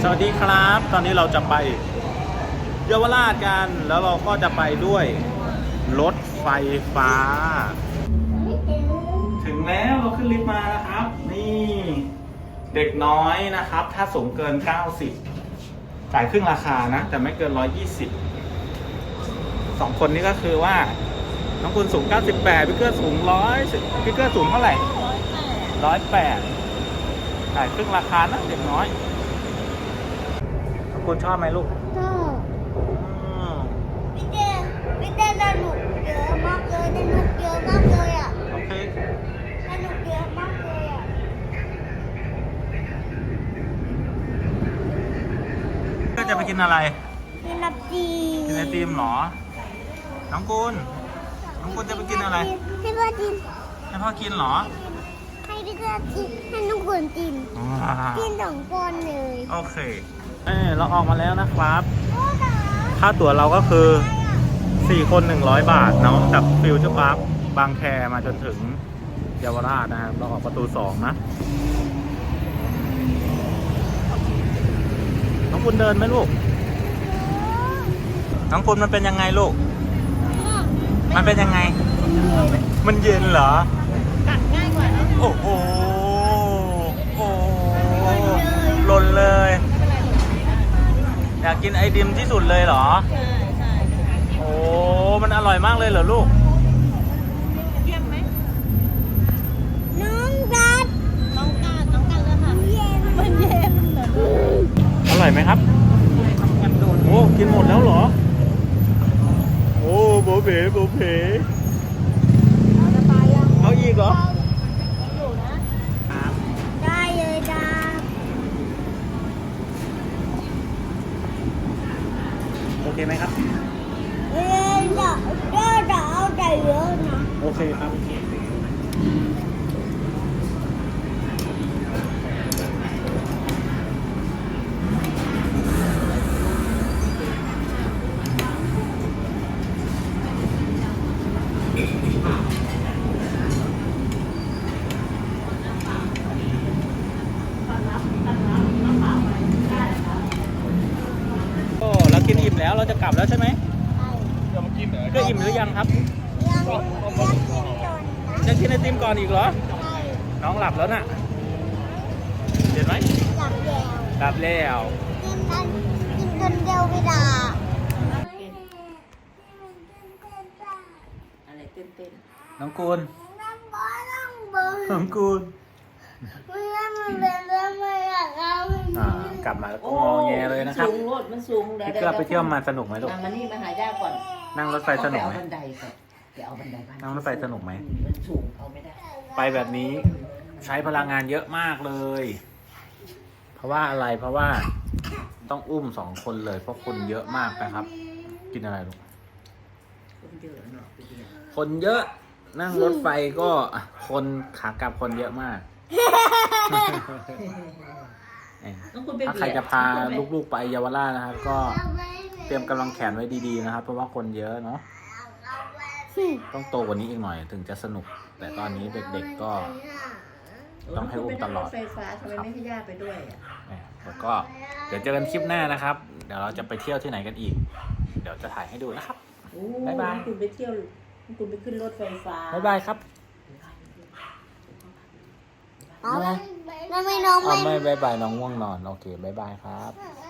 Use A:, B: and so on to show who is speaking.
A: วัสดีครับ ตอนนี้เราจะไปเยาวราชกัน แล้วเราก็จะไปด้วยรถไฟฟ้า ถึงแล้วเราขึ้นลิฟต์มานะครับ นี่เด็กน้อยนะครับ ถ้าสูงเกิน 90จ่ายครึ่งราคานะ แต่ไม่เกิน 120 2 คนนี้ก็คือว่าน้องคุณสูง 98พี่เกื้อสูง100พี่เกื้อสูงเท่าไหร่108จ่ายครึ่งราคานะเด็กน้อยคุณชอบไหมลูก
B: ชอบพี่เต้สนุกเยอะมากเลยสนุกเยอะมากเลยอ่ะ
A: โอเค
B: สนุกเยอะมากเลยอ่ะ
A: ก็จะไปกินอะไร
B: กินไอติม
A: กินไอติมเหรอน้องกุลจะไปกินอะไร
B: ให้พ่อกิน
A: ให้พ่อกินเหรอ
B: ให้พี่เต้กินให้น้องกุลกินกิน2 คนเลย
A: โอเคเราออกมาแล้วนะครับค่าตั๋วเราก็คือ4 คน100 บาทเนาะจากฟิวเจอร์พาร์คบางแคมาจนถึงเยาวราชนะครับเราออกประตู2นะน้องคุณเดินไหมลูกน้องคุณมันเป็นยังไงลูกมันเป็นยังไงมันเย็นเหรอ
B: กัดง่ายกว่านะ
A: โอ้โหหล่นเลยอยากกินไอติมที่สุดเลยเหรอ
B: ใช่
A: โอ้มันอร่อยมากเลยเหรอลูก
B: เยี่ยมไหมน้องกัดเลยค่ะมันเย็นเหรอ
A: อร่อยไหมครับโอ้กินหมดแล้วเหรอโอ้โบเป๋เอาอีกเหรอ
B: อยู่นะได้เลยจ้า
A: โอเคไหมครับ
B: จะเอาใจเยอะนะ
A: โอเคครับเรากินอิ่มแล้วเราจะกลับแล้วใช่ไหมก็อิ่มหรือยังครับจะกินไอติมก่อนอีกเหรอน้องหลับแล้วน่ะเห็นไหมหลับแล้ว
B: กินจนเดียวไม่ได้
C: อะไรเต้น
A: น้องกูลน้องกูลกลับมาแล้วก็งอแงเลยนะครับ
C: สูงรถมันสูง
A: พี่เกื้อไปเที่ยวมาสนุกไหมลูก
C: มานี่มาหาย่าก่อน
A: นั่งรถไฟสนุกไหม
C: บันไดก่อนเดี๋ยวเอาบันไดบ้าน
A: นั่งรถไฟสนุกไหม
C: มันสูงเอาไม่ได้
A: ไปแบบนี้ใช้พลังงานเยอะมากเลยเพราะว่าอะไรเพราะว่าต้องอุ้ม2 คนเลยเพราะคนเยอะมากนะครับกินอะไรลูกคนเยอะนั่งรถไฟก็คนขากลับคนเยอะมากถ้าใครจะพาลูกๆไปเยาวราชนะครับก็เตรียมกำลังแขนไว้ดีๆนะครับเพราะว่าคนเยอะเนาะต้องโตกว่านี้อีกหน่อยถึงจะสนุกแต่ตอนนี้เด็กๆก็ต้องให้อุ้มตลอด
C: ไฟฟ้าทำไมไม่ให้ย่าไปด้วย
A: แล้วก็เดี๋ยวเจอกันคลิปหน้านะครับเดี๋ยวเราจะไปเที่ยวที่ไหนกันอีกเดี๋ยวจะถ่ายให้ดูนะครับบ๊ายบาย
C: คุณไปเที่ยวคุณไปขึ้นรถไฟฟ้า
A: บ๊ายบายครับ
B: ไม่น้องไม่
A: บ๊ายบายน้องง่วงนอนโอเคบ๊ายบายครับ